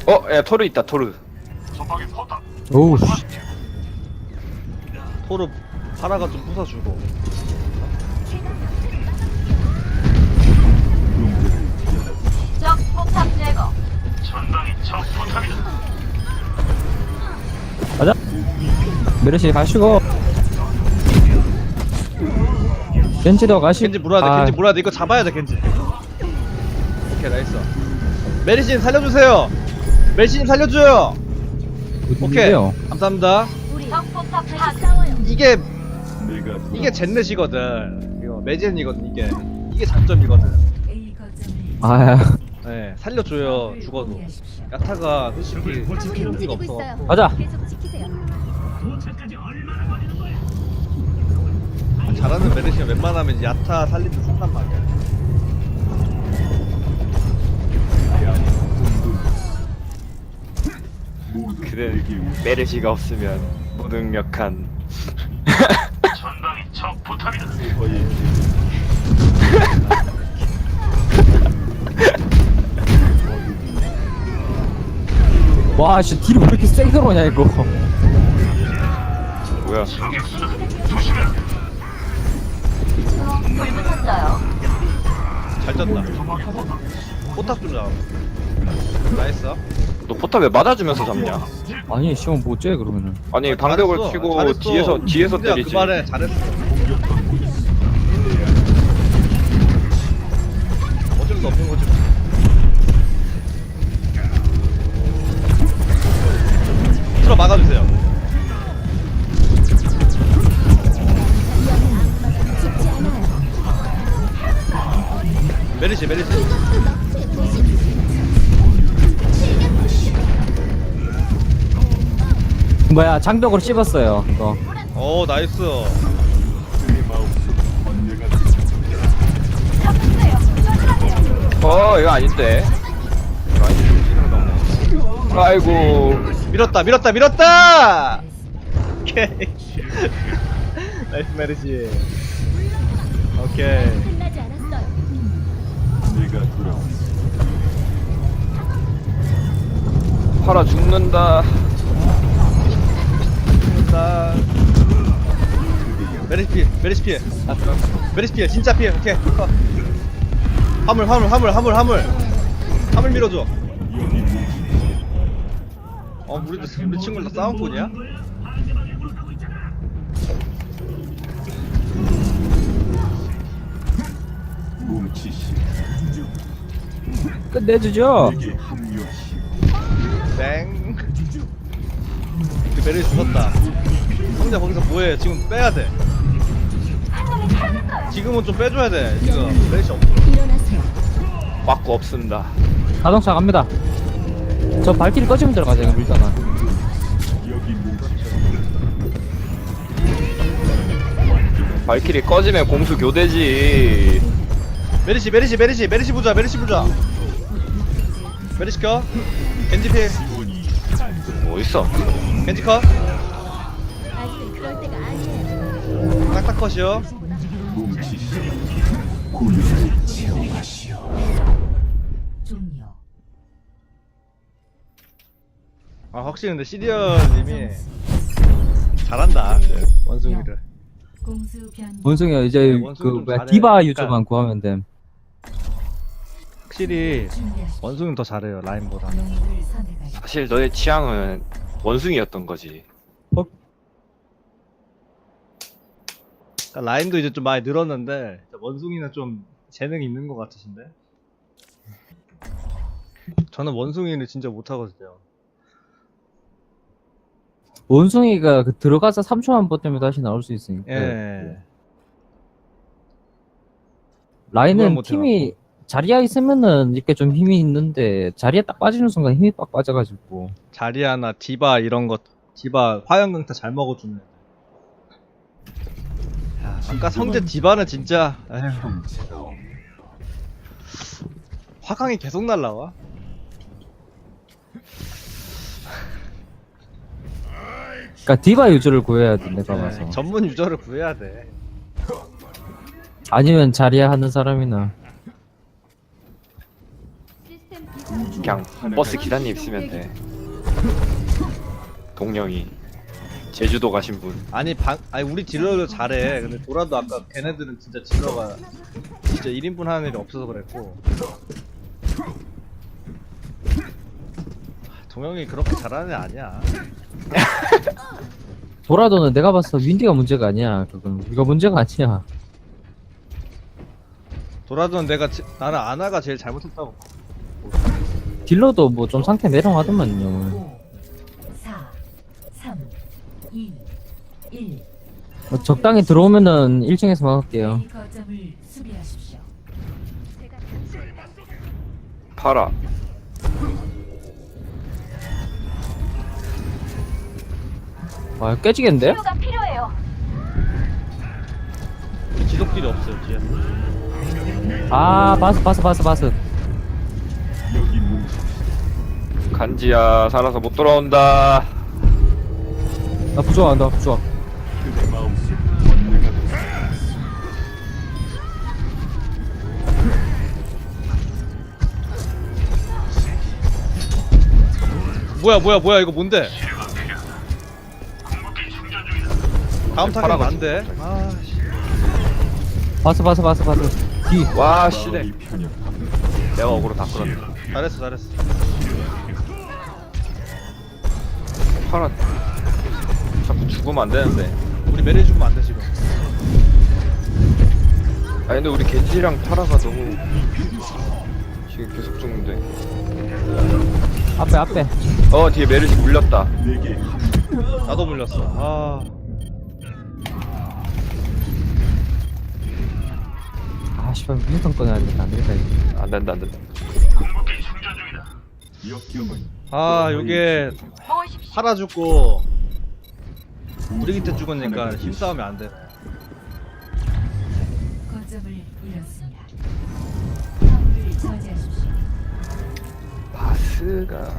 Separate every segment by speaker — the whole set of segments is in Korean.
Speaker 1: 야 토르 있다 토르.
Speaker 2: 오우 씨.
Speaker 3: 토르 파라가 좀 부숴주고.
Speaker 4: 적 폭탄 제거.
Speaker 2: 가자. 메르시 가시고. 겐지도 가시고.
Speaker 3: 겐지 물어야 돼. 겐지 물어야 돼. 이거 잡아야 돼. 겐지. 오케이 나이스. 메리신 살려주세요. 메리신 살려줘요. 오케이. 감사합니다.
Speaker 4: 적 폭탄 싸워요.
Speaker 3: 이게 젠넷이거든. 이거 매젠이거든. 이게 장점이거든.
Speaker 2: 아
Speaker 3: 네, 살려줘요. 죽어도. 야타가 솔직히 의미가 없어.
Speaker 2: 가자.
Speaker 4: 계속 지키세요.
Speaker 3: 잘하는 메르시는 웬만하면 야타 살리면 쓴단 말이야.
Speaker 1: 그래 메르시가 없으면 무능력한.
Speaker 2: 와 씨 딜이 왜 이렇게 세게 들어오냐 이거.
Speaker 1: 뭐야?
Speaker 4: 불 붙었어요.
Speaker 3: 잘 졌다. 포탑 좀 잡아. 나이스.
Speaker 1: 너 포탑 왜 맞아주면서 잡냐?
Speaker 2: 아니 시험 뭐째 그러면은.
Speaker 1: 아니 방벽을
Speaker 3: 잘했어.
Speaker 1: 치고
Speaker 3: 잘했어.
Speaker 1: 뒤에서
Speaker 3: 근데야,
Speaker 1: 때리지.
Speaker 3: 그 말에 잘했어. 어쩔 수 없는 거지. 틀어 막아주세요. 메리시.
Speaker 2: 뭐야 장벽으로 씹었어요 이거.
Speaker 3: 오 나이스.
Speaker 1: 이거 아닌데. 이거 아닌데. 아이고.
Speaker 3: 밀었다. 오케이. 나이스 메리시. 오케이.
Speaker 4: 끝나지 않았어요.
Speaker 1: 팔아 죽는다.
Speaker 3: 자, 메리시 피해. 메리시 피해. 진짜 피해. 오케이. 화물 밀어줘. 우리 친구들 다 싸움꾼이야?
Speaker 2: 끝내주죠.
Speaker 3: 땡. 그 메리시 죽었다. 성자 거기서 뭐해? 지금 빼야 돼. 지금은 좀 빼줘야 돼. 지금 메리시 없어.
Speaker 4: 일어나세요.
Speaker 1: 맞고 없습니다.
Speaker 2: 자동차 갑니다. 저 발길이 꺼지면 들어가자 이거 밀다가.
Speaker 1: 발키리 꺼지면 공수 교대지.
Speaker 3: 메리시 부자. 메리시 켜. 겐지 피.
Speaker 1: 뭐 있어?
Speaker 3: 겐지 컷.
Speaker 4: 아직은 그럴 때가 아니에요.
Speaker 3: 딱딱 컷이요. 아 확실히 근데 시리언님이 잘한다. 원숭이를.
Speaker 2: 원숭이가 이제
Speaker 3: 네,
Speaker 2: 그
Speaker 3: 원숭이 좀
Speaker 2: 뭐야
Speaker 3: 잘해.
Speaker 2: 디바
Speaker 3: 그러니까-
Speaker 2: 유저만 구하면 됨.
Speaker 3: 확실히 원숭이는 더 잘해요 라인보다.
Speaker 1: 사실 너의 취향은 원숭이였던 거지.
Speaker 3: 그러니까 라인도 이제 좀 많이 늘었는데 원숭이는 좀 재능이 있는 것 같으신데. 저는 원숭이를 진짜 못하거든요.
Speaker 2: 원숭이가 그 들어가서 3초만 버티면 다시 나올 수 있으니까.
Speaker 3: 예. 그걸
Speaker 2: 라인은
Speaker 3: 못
Speaker 2: 팀이 자리야 있으면은 이렇게 좀 힘이 있는데 자리에 딱 빠지는 순간 힘이 빡 빠져가지고.
Speaker 3: 자리아나 디바 이런 것, 디바 화염강타 잘 먹어주는. 야, 아까 성재 디바는 진짜 에휴. 화강이 계속 날라와.
Speaker 2: 그러니까 디바 유저를 구해야 돼 내가 봐서.
Speaker 3: 네, 전문 유저를 구해야 돼.
Speaker 2: 아니면 자리야 하는 사람이나.
Speaker 4: 시스템 비상.
Speaker 1: 그냥 버스 기사님 있으면 돼. 동영이 제주도 가신 분.
Speaker 3: 아니 아니 우리 딜러도 잘해. 근데 도라도 아까 걔네들은 진짜 딜러가 진짜 1인분 하는 일이 없어서 그랬고. 동영이 그렇게 잘하는 애 아니야.
Speaker 2: 도라도는 내가 봤을 때 윈디가 문제가 아니야. 그건 우리가 문제가 아니야.
Speaker 3: 도라도는 나는 아나가 제일 잘못했다고.
Speaker 2: 딜러도 뭐 좀 상태 내려가더만요.
Speaker 5: 4, 3, 2, 1.
Speaker 2: 뭐 적당히 들어오면은 1층에서 막을게요.
Speaker 5: 거점을 수비하십시오.
Speaker 1: 팔아.
Speaker 2: 와 깨지겠는데?
Speaker 4: 치료가 필요해요.
Speaker 3: 지속딜이 없어요 뒤에.
Speaker 2: 아 바스.
Speaker 1: 간지야 살아서 못 돌아온다.
Speaker 2: 나 부조한다 부조.
Speaker 3: 뭐야 이거 뭔데? 다음 타겟 안돼.
Speaker 2: 바스. 뒤.
Speaker 1: 와 씨네. 내가 어그로 다 끌었네.
Speaker 3: 잘했어.
Speaker 1: 팔아. 자꾸 죽으면 안 되는데.
Speaker 3: 우리 메리 죽으면 안 돼 지금.
Speaker 1: 아니 근데 우리 겐지랑 파라가 너무 지금 계속 죽는데.
Speaker 2: 앞에.
Speaker 1: 뒤에 메르시 물렸다.
Speaker 3: 나도 물렸어.
Speaker 2: 아 씨발 윈턴 꺼내야 되겠다. 안 되겠다 이거.
Speaker 1: 안 된다.
Speaker 3: 요게
Speaker 4: 모으십시오.
Speaker 3: 팔아 죽고 브리기트 죽으니까 힘싸움이 안 돼.
Speaker 5: 거점을 잃었습니다. 화물을 저지하십시오.
Speaker 1: 바스가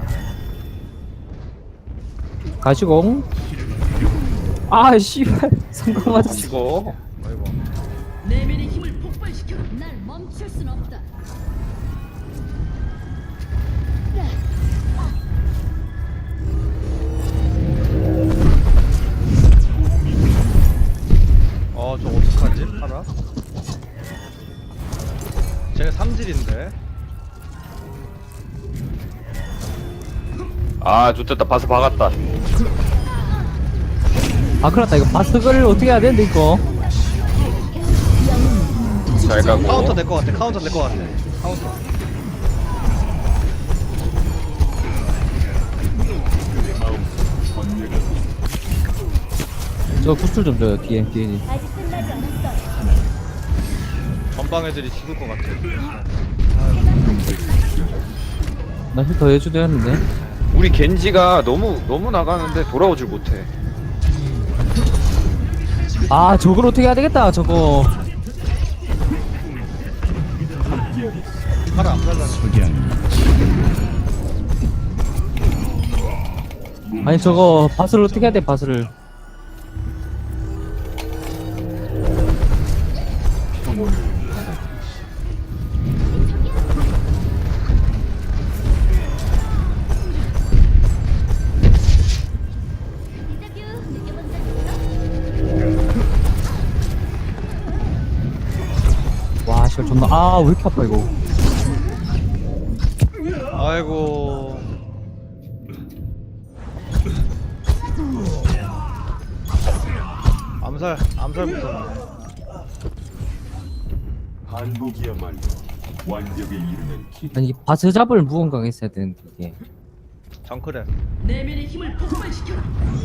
Speaker 2: 가시공. 아 씨발 성공 맞았어.
Speaker 1: 치고
Speaker 3: 아이고.
Speaker 4: 내면의 힘을 폭발시켜. 날 멈출 순 없다.
Speaker 3: 저 어떡하지? 팔아? 쟤네 3질인데.
Speaker 1: 아 좋됐다. 바스 박았다.
Speaker 2: 아 큰일났다 이거 바스를 어떻게 해야 되는데 이거.
Speaker 1: 잘 가고.
Speaker 3: 카운터 될 것 같아. 카운터.
Speaker 2: 저 구슬 좀 줘요 뒤에.
Speaker 4: 아직 끝나지 않았어요.
Speaker 3: 전방 애들이 죽을 것 같아.
Speaker 2: 나 힐 더 해줘야 하는데.
Speaker 1: 우리 겐지가 너무 나가는데 돌아오질 못해.
Speaker 2: 아 저걸 어떻게 해야 되겠다 저거.
Speaker 3: 팔아 안 살라네.
Speaker 2: 아니 저거 바스를 어떻게 해야 돼 바스를.
Speaker 4: 데자뷰 느껴본 적 있어?
Speaker 2: 와 씨발 존나 왜 이렇게 아파 이거.
Speaker 3: 아이고. 암살부터.
Speaker 6: 한국이야말로 완벽에 이르는 길.
Speaker 2: 아니 바스 잡을 무언가가 있어야 되는데 이게.
Speaker 3: 정크래.
Speaker 4: 내면의 힘을 폭발시켜라.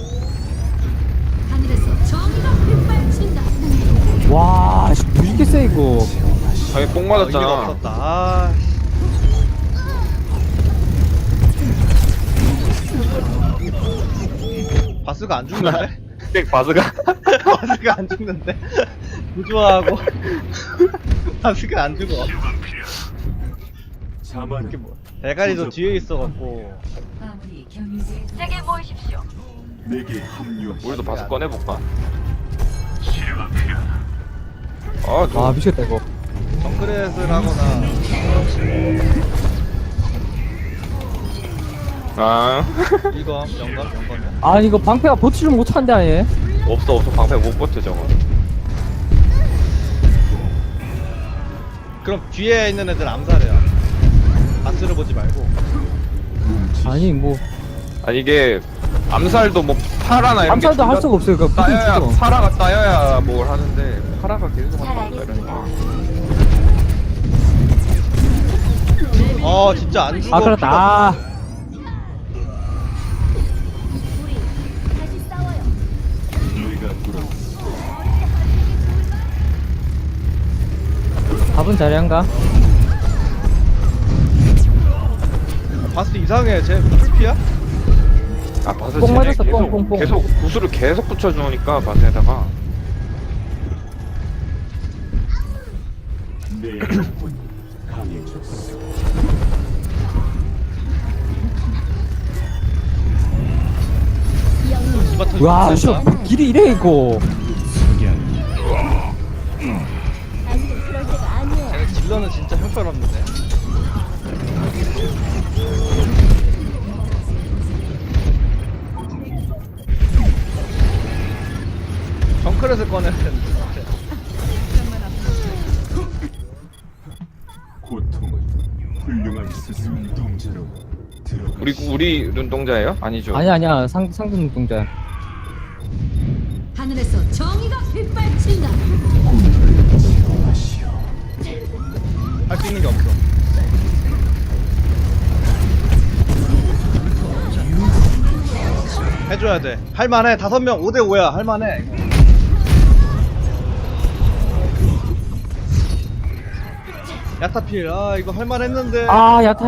Speaker 4: 하늘에서 정의가 빗발친다.
Speaker 2: 와 씨, 뭐 이렇게 세 이거.
Speaker 1: 자기 뽕
Speaker 3: 의미가
Speaker 1: 맞았잖아.
Speaker 3: 없었다. 바스가 안 죽는데?
Speaker 1: 백 바스가
Speaker 3: 바스가 안 죽는데? 구조하고 바스가 안 죽어.
Speaker 6: 자만
Speaker 3: 대가리도 뒤에 있어갖고.
Speaker 5: 마무리 경유지.
Speaker 4: 제게 모이십시오.
Speaker 6: 내게 합류하.
Speaker 1: 우리도 바스 꺼내볼까?
Speaker 2: 와 미치겠다 이거.
Speaker 3: 정크렛을 하거나
Speaker 1: 아
Speaker 3: 이거 영감이야.
Speaker 2: 아 이거 방패가 버티질 못한데 아예.
Speaker 1: 없어 방패 못 버텨 저거.
Speaker 3: 그럼 뒤에 있는 애들 암살해요. 바스를 보지 말고.
Speaker 2: 아니 뭐
Speaker 1: 아니 이게 암살도 뭐 파라나 이런
Speaker 2: 암살도 할 수가 없어요. 그
Speaker 1: 따여야
Speaker 2: 부딪히죠.
Speaker 1: 파라가 따여야 뭘 하는데 파라가 계속 한다 이러니까.
Speaker 3: 진짜 안 죽어.
Speaker 2: 아 그렇다. 아,
Speaker 6: 내가 돌아
Speaker 2: 답은 자리한가?
Speaker 3: 바스 이상해. 쟤 풀피야?
Speaker 1: 아 바스
Speaker 2: 뽕
Speaker 1: 쟤네
Speaker 2: 맞았어, 뽕, 뽕, 뽕.
Speaker 1: 계속 구슬을 계속 붙여주니까 바스에다가
Speaker 6: 내 영혼이 강해졌어.
Speaker 3: 이바 터지고
Speaker 2: 와,
Speaker 3: 있어.
Speaker 2: 씨, 길이 이래 이거.
Speaker 3: 쟤네 딜러는 진짜 형편없는데. 정크렛을 꺼내야 되는데.
Speaker 6: 고통은 훌륭한 스승 눈동자로 들어가.
Speaker 1: 우리 눈동자예요? 아니죠.
Speaker 2: 아니야 상등 눈동자.
Speaker 4: 하늘에서 정의가 빗발친다.
Speaker 3: 할 수 있는 게 없어. 해줘야 돼. 할만해. 5명 5대5야. 할만해. 야타필. 이거 할만했는데.
Speaker 2: 아 야타.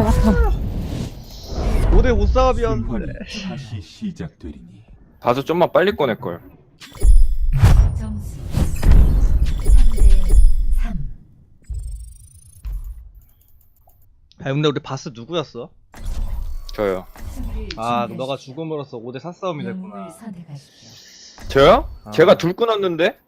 Speaker 3: 5대5 싸움이었는데.
Speaker 6: 승환이 다시 시작되리니
Speaker 1: 바스 좀만 빨리 꺼낼 걸.
Speaker 5: 점수 3대 3.
Speaker 3: 근데 우리 바스 누구였어?
Speaker 1: 저요.
Speaker 3: 너가 죽음으로써 5대4 싸움이 됐구나.
Speaker 5: 영웅을 선택하십시오.
Speaker 1: 저요?
Speaker 3: 아.
Speaker 1: 제가 둘 끊었는데?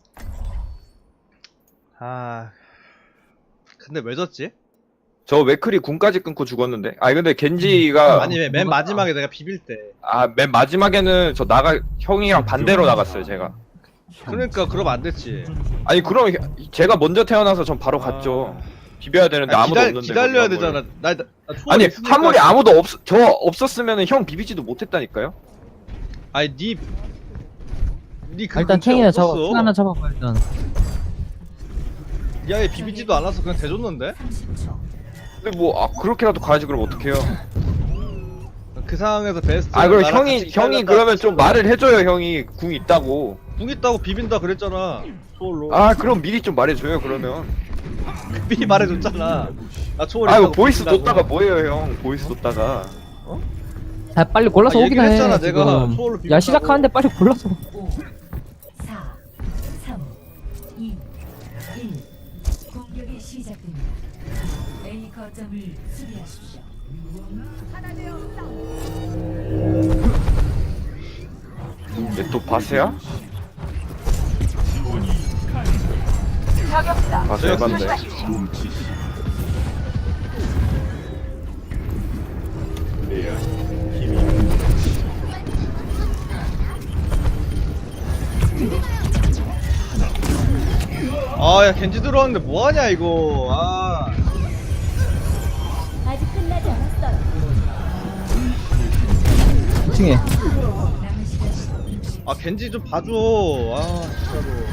Speaker 3: 근데 왜 졌지?
Speaker 1: 저 맥크리 궁까지 끊고 죽었는데. 근데 겐지가
Speaker 3: 아니 맨 마지막에 내가 비빌 때.
Speaker 1: 맨 마지막에는 저 형이랑 반대로 나갔어요 제가.
Speaker 3: 그러니까 그러면 안 됐지.
Speaker 1: 아니 그럼 제가 먼저 태어나서 전 바로 갔죠. 비벼야 되는데 아무도 없는데.
Speaker 3: 기다려야
Speaker 1: 거기
Speaker 3: 되잖아. 나 초월이
Speaker 1: 아니
Speaker 3: 있으니까.
Speaker 1: 화물이 아무도 저 없었으면은 형 비비지도 못했다니까요.
Speaker 3: 아니 니
Speaker 2: 일단 탱이나 잡아. 탱 하나 잡아봐 일단.
Speaker 3: 니 아예 비비지도 않아서 그냥 대줬는데?
Speaker 5: 30초.
Speaker 1: 근데 뭐 그렇게라도 가야지 그럼 어떡해요.
Speaker 3: 그 상황에서 베스트.
Speaker 1: 그럼 형이 그러면 좀 말을 해줘요. 형이 궁 있다고.
Speaker 3: 궁 있다고 비빈다 그랬잖아. 초월로.
Speaker 1: 그럼 미리 좀 말해줘요 그러면.
Speaker 3: 미리 말해줬잖아. 나 초월.
Speaker 1: 아이고
Speaker 3: 있다고
Speaker 1: 보이스
Speaker 3: 비빈다고.
Speaker 1: 뒀다가 뭐예요 형. 보이스 뒀다가.
Speaker 2: 자 빨리 골라서 오긴
Speaker 3: 얘기를
Speaker 2: 해.
Speaker 3: 했잖아, 내가.
Speaker 2: 지금.
Speaker 3: 초월로
Speaker 2: 야
Speaker 3: 비빈다고.
Speaker 2: 시작하는데 빨리 골라서.
Speaker 5: 5 4 3 2 1. 공격이 시작됩니다. A 거점을 수비하십시오.
Speaker 1: 얘 또 바스야? 바스 해봤네.
Speaker 6: 뭉치시 내 안에 힘이
Speaker 3: 야 겐지 들어왔는데 뭐하냐 이거.
Speaker 4: 아직 끝나지 않았어요.
Speaker 2: 2층에.
Speaker 5: 남은 시간 60초.
Speaker 3: 겐지 좀 봐줘. 진짜로.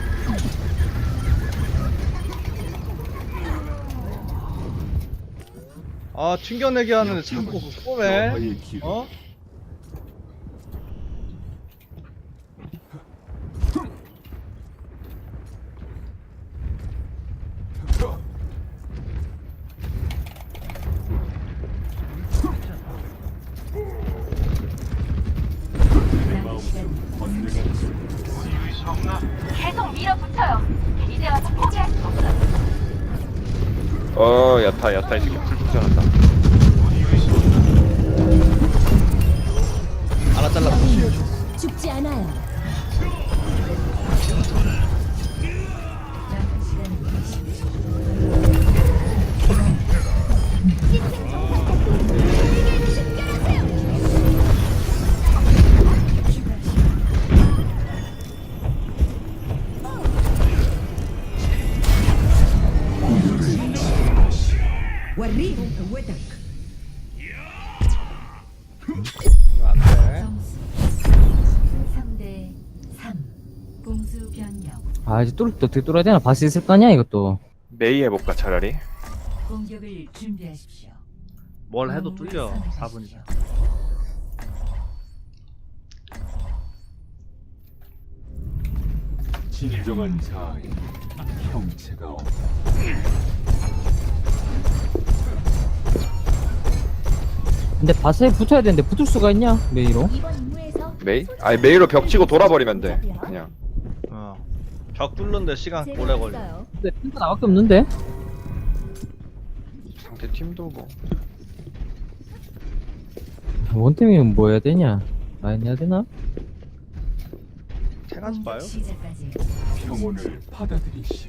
Speaker 3: 튕겨내기 하는데 자꾸 쏘네.
Speaker 6: 저하의 길
Speaker 5: 남은 시간
Speaker 4: 계속 밀어붙여요. 이제 와서 포기할 수 없어요.
Speaker 1: 야타 이 새끼 풀 잘한다.
Speaker 3: 하나 잘랐어.
Speaker 4: 죽지 않아요.
Speaker 5: 남은 시간 20초.
Speaker 3: 이거 안 돼.
Speaker 5: 점수 3대 3. 공수 변경.
Speaker 2: 아 이제 또 어떻게 뚫어야 되나? 바스 있을 거 아니야 이것도.
Speaker 1: 메이 해볼까 차라리?
Speaker 5: 공격을 준비하십시오.
Speaker 3: 뭘 해도 뚫려. 4분이다.
Speaker 6: 진정한 자아에 형체가 없다.
Speaker 2: 근데 바스에 붙어야 되는데 붙을 수가 있냐? 메이로?
Speaker 1: 메이? 아니 메이로 벽 치고 돌아버리면 돼 그냥.
Speaker 3: 벽 뚫는데 시간 오래 걸려.
Speaker 2: 근데 핑크 나밖에 없는데?
Speaker 1: 상대 팀도 뭐
Speaker 2: 원템이면 뭐 해야 되냐? 라인 해야 되나?
Speaker 3: 태가지 봐요.
Speaker 5: 공격 시작까지
Speaker 6: 평온을 받아들이시오.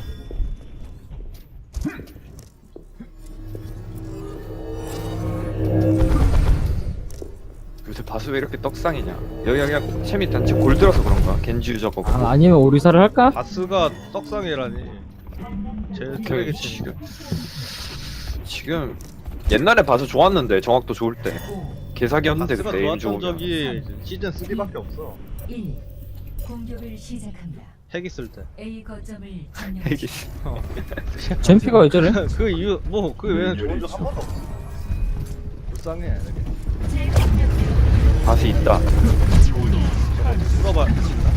Speaker 1: 요새 바스 왜 이렇게 떡상이냐. 여기가 그냥 채미 단체 골드라서 그런가? 겐지 유저가 없고.
Speaker 2: 아, 아니면 오리사를 할까?
Speaker 3: 바스가 떡상이라니. 제일 쓰레기 치는.
Speaker 1: 지금 옛날에 바스 좋았는데 정확도 좋을 때
Speaker 5: 5,
Speaker 1: 개사기였는데
Speaker 3: 바스가
Speaker 1: 그때 에임
Speaker 3: 좋았던
Speaker 1: 좋으면.
Speaker 3: 적이 시즌 3밖에 없어.
Speaker 5: 1. 공격을 시작합니다.
Speaker 3: 핵 있을 때.
Speaker 5: A 거점을
Speaker 1: 이게
Speaker 5: 점령하십시오.
Speaker 2: 젠피가 왜 저래?
Speaker 3: 그 이유 뭐 그 외에는 좋은 적 한 번도 없어. 불쌍해. 이렇게.
Speaker 1: 바스 있다.
Speaker 3: 물어봐. 있나?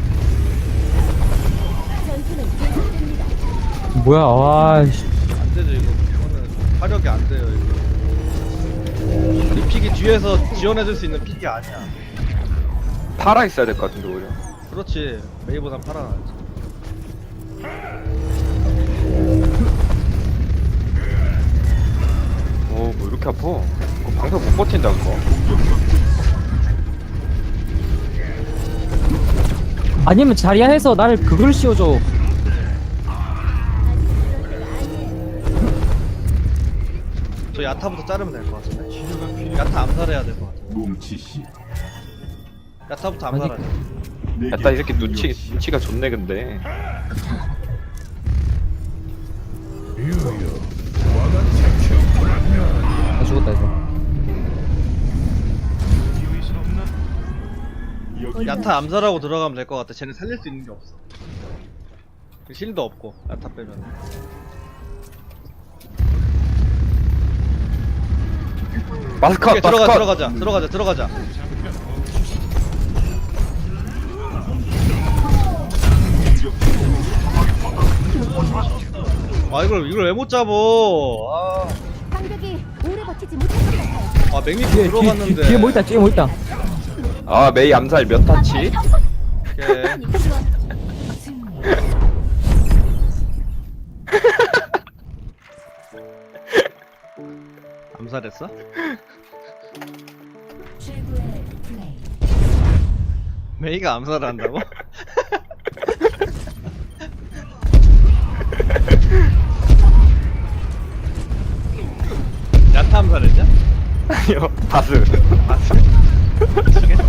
Speaker 2: 뭐야? 와, 씨.
Speaker 3: 안 되죠 이거. 이거는 화력이 안 돼요 이거. 이 픽이 뒤에서 지원해줄 수 있는 픽이 아니야.
Speaker 1: 팔아 있어야 될 것 같은데 오히려.
Speaker 3: 그렇지. 메이보단 팔아놨지.
Speaker 1: 뭐 이렇게 아파? 그거 방송 못 버틴다 그거.
Speaker 2: 아니면 자리야 해서 나를 그걸 씌워줘.
Speaker 3: 저 야타부터 자르면 될 것 같은데. 야타 암살해야 될 것 같아.
Speaker 6: 뭉치시오.
Speaker 3: 야타부터 암살하자.
Speaker 1: 야따 이 새끼 눈치가 좋네 근데.
Speaker 2: 아 죽었다 이거.
Speaker 3: 야타 암살하고 들어가면 될 것 같아. 쟤네 살릴 수 있는 게 없어. 실도 없고 야타 빼면.
Speaker 1: 마스컷
Speaker 3: 오케이,
Speaker 1: 마스컷.
Speaker 3: 들어가자. 아 이걸 왜 못 잡어?
Speaker 7: 방벽이 오래 버티지 못할 것 같아요.
Speaker 3: 아 맥미프 들어갔는데.
Speaker 2: 뒤에 뭐 있다, 뒤에 뭐 있다.
Speaker 1: 아 메이 암살 몇 타치?
Speaker 3: 오케이. 암살했어?
Speaker 5: 최고의 플레이.
Speaker 3: 메이가 암살을 한다고? 야타 암살했냐?
Speaker 1: 아니요 바스.
Speaker 3: 맞지? 미치겠네.